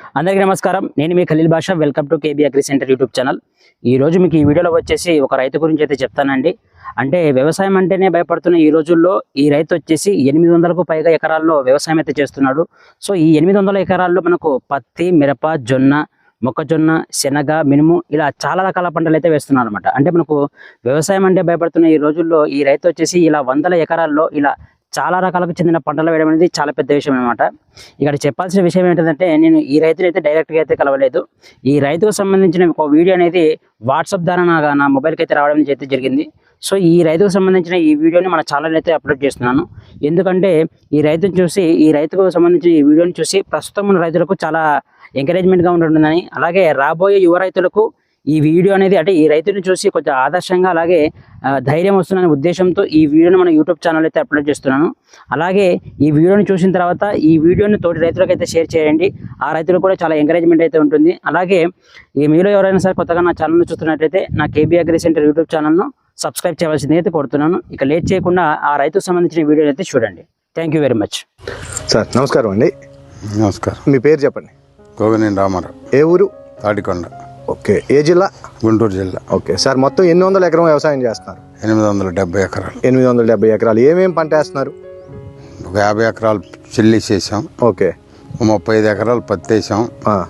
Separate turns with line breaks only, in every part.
అందరికీ నమస్కారం. నేను మీ Khaleel Basha. Welcome to KB agri centre YouTube channel. ఈ రోజు మీకు ఈ వీడియోలో వచ్చేసి ఒక రైతు గురించి అయితే చెప్తానండి. అంటే వ్యవసాయం అంటేనే భయపడుతున్న ఈ రోజుల్లో ఈ రైతు వచ్చేసి 800కు పైగా ఎకరాల్లో వ్యవసాయం అయితే చేస్తున్నాడు. సో ఈ 800 ఎకరాల్లో మనకు పత్తి, మిరప, జొన్న, మొక్కజొన్న, శనగ, మినుము ఇలా చాలా రకాల పంటలు అయితే వేస్తున్నారు అనమాట. అంటే మనకు వ్యవసాయం అంటే భయపడుతున్న ఈ రోజుల్లో ఈ రైతు వచ్చేసి ఇలా 100 ఎకరాల్లో ఇలా చాలా రకాలకు చెందిన పంటలు వేయడం అనేది చాలా పెద్ద విషయం అనమాట. ఇక్కడ చెప్పాల్సిన విషయం ఏంటంటే, నేను ఈ రైతుని అయితే డైరెక్ట్గా అయితే కలవలేదు. ఈ రైతుకు సంబంధించిన ఒక వీడియో అనేది వాట్సాప్ ద్వారా నా మొబైల్కి అయితే రావడం అయితే జరిగింది. సో ఈ రైతుకు సంబంధించిన ఈ వీడియోని మన ఛానల్ అయితే అప్లోడ్ చేస్తున్నాను. ఎందుకంటే ఈ రైతుని చూసి, ఈ రైతుకు సంబంధించిన ఈ వీడియోని చూసి ప్రస్తుతం ఉన్న రైతులకు చాలా ఎంకరేజ్మెంట్గా ఉంటుందని, అలాగే రాబోయే యువ రైతులకు ఈ వీడియో అనేది అంటే ఈ రైతుని చూసి కొంచెం ఆదర్శంగా అలాగే ధైర్యం వస్తుందనే ఉద్దేశంతో ఈ వీడియోని మన యూట్యూబ్ ఛానల్ అయితే అప్లోడ్ చేస్తున్నాను. అలాగే ఈ వీడియోని చూసిన తర్వాత ఈ వీడియోని తోటి రైతులకు అయితే షేర్ చేయండి. ఆ రైతులకు కూడా చాలా ఎంకరేజ్మెంట్ అయితే ఉంటుంది. అలాగే ఈ మీలో ఎవరైనా సరే కొత్తగా నా ఛానల్ని చూస్తున్నట్లయితే నా కేబీ అగ్రి సెంటర్ యూట్యూబ్ ఛానల్ను సబ్స్క్రైబ్ చేయవలసింది అయితే కోరుతున్నాను. ఇక లేట్ చేయకుండా ఆ రైతుకు సంబంధించిన వీడియోని అయితే చూడండి. Thank you very much.
Sir నమస్కారం అండి.
నమస్కారం.
మీ పేరు చెప్పండి.
గోగనేని రామారావు.
ఏ ఊరు?
తాడికొండ.
ఓకే. ఏ జిల్లా?
గుంటూరు జిల్లా.
ఓకే సార్, మొత్తం 800 ఎకరం వ్యవసాయం చేస్తున్నారు?
870 ఎకరాలు.
870 ఎకరాలు. ఏమేమి పంట వేస్తున్నారు?
ఒక 50 ఎకరాలు చిల్లి చేసాం.
ఓకే.
35 ఎకరాలు పత్తి వేసాం.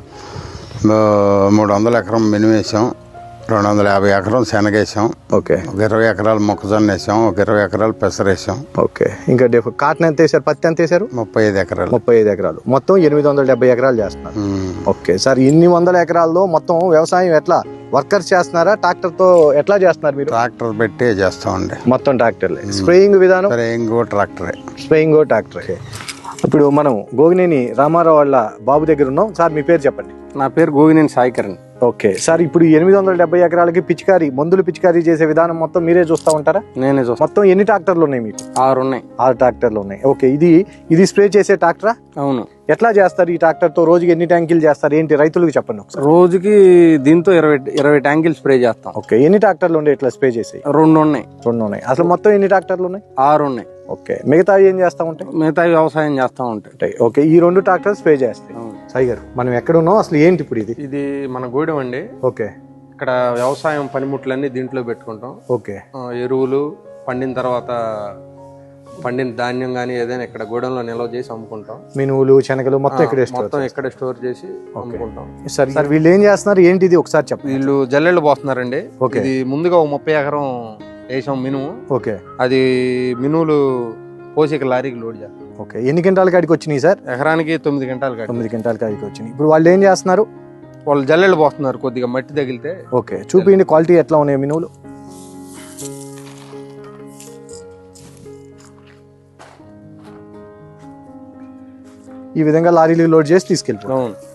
300 ఎకరం మినుము వేసాం. 250 ఎకరం శనగేసాం.
ఓకే.
ఒక 20 ఎకరాలు మొక్కజొన్న వేసాం. ఒక 20 ఎకరాలు పెసర వేసాం.
ఓకే. ఇంకా కాటన్ ఎంత వేసారు? పత్తి ఎంత వేసారు?
35 ఎకరాలు.
35 ఎకరాలు. మొత్తం 870 ఎకరాలు చేస్తున్నారు. ఓకే సార్, ఇన్ని 100 ఎకరాల్లో మొత్తం వ్యవసాయం ఎట్లా వర్కర్స్ చేస్తున్నారా, ట్రాక్టర్తో ఎట్లా చేస్తున్నారు మీరు?
ట్రాక్టర్ పెట్టి చేస్తామండి.
మొత్తం ట్రాక్టర్లే. స్ప్రేయింగ్ విధానం?
స్ప్రేయింగ్ ట్రాక్టరే.
స్ప్రేయింగ్ ట్రాక్టరే. ఇప్పుడు మనం గోగినేని రామారావు వాళ్ళ బాబు దగ్గర ఉన్నాం. సార్ మీ పేరు చెప్పండి.
నా పేరు గోగినేని సాయికరణ్.
ఓకే సార్, ఇప్పుడు 870 ఎకరాలకి మందులు పిచికారీ చేసే విధానం మొత్తం మీరే చూస్తూ ఉంటారా?
నేనే చూస్తాను.
మొత్తం ఎన్ని ట్రాక్టర్లు ఉన్నాయి మీకు?
6 ఉన్నాయి.
6 ట్రాక్టర్లు ఉన్నాయి. ఓకే. ఇది స్ప్రే చేసే ట్రాక్టరా?
అవును.
ఎట్లా చేస్తారు ఈ ట్రాక్టర్ తో? రోజుకి ఎన్ని ట్యాంకులు చేస్తారు ఏంటి రైతులకు చెప్పండి ఒకసారి.
రోజుకి దీంతో 20 ట్యాంకులు స్ప్రే చేస్తాం.
ఓకే. ఎన్ని ట్రాక్టర్లు ఉన్నాయి ఇట్లా స్ప్రే చేసి?
2 ఉన్నాయి.
2 ఉన్నాయి. అసలు మొత్తం ఎన్ని ట్రాక్టర్లు ఉన్నాయి?
6 ఉన్నాయి.
ఓకే. మిగతా ఏం చేస్తా ఉంటాయి?
మిగతా వ్యవసాయం చేస్తా ఉంటాయి.
ఓకే. ఈ 2 ట్రాక్టర్ స్ప్రే చేస్తాయి. సాయి గారు, మనం ఎక్కడ ఉన్నాం, అసలు ఏంటి ఇప్పుడు ఇది?
ఇది మన గూడెం అండి.
ఓకే.
ఇక్కడ వ్యవసాయం పనిముట్లన్నీ దీంట్లో పెట్టుకుంటాం.
ఓకే.
ఎరువులు పండిన తర్వాత పండిన ధాన్యం కానీ ఏదైనా ఇక్కడ గూడెంలో నిల్వ చేసి అమ్ముకుంటాం.
మినువులు, శనగలు మొత్తం
ఇక్కడ స్టోర్ చేసి అమ్ముకుంటాం.
సార్ వీళ్ళు ఏం చేస్తున్నారు ఏంటి ఇది ఒకసారి చెప్పండి.
వీళ్ళు జల్లెళ్ళు పోస్తున్నారండి. ఇది ముందుగా 30 ఎకరం వేసాం మినుము.
ఓకే.
అది మినువులు పోసి లారీకి లోడ్ చేస్తాం.
ఓకే. ఎన్ని క్వింటాల కాడికి వచ్చినాయి సార్?
ఎకరానికి 9 క్వింటాల కాడికి.
9 క్వింటాల కాడికి వచ్చినాయి. ఇప్పుడు వాళ్ళు ఏం చేస్తున్నారు?
వాళ్ళు జల్లెళ్ళు పోస్తున్నారు. కొద్దిగా మట్టి తగిలితే.
ఓకే. చూపించండి క్వాలిటీ ఎట్లా ఉన్నాయి మినువులు. ఈ విధంగా లారీలు లోడ్ చేసి తీసుకెళ్తాం.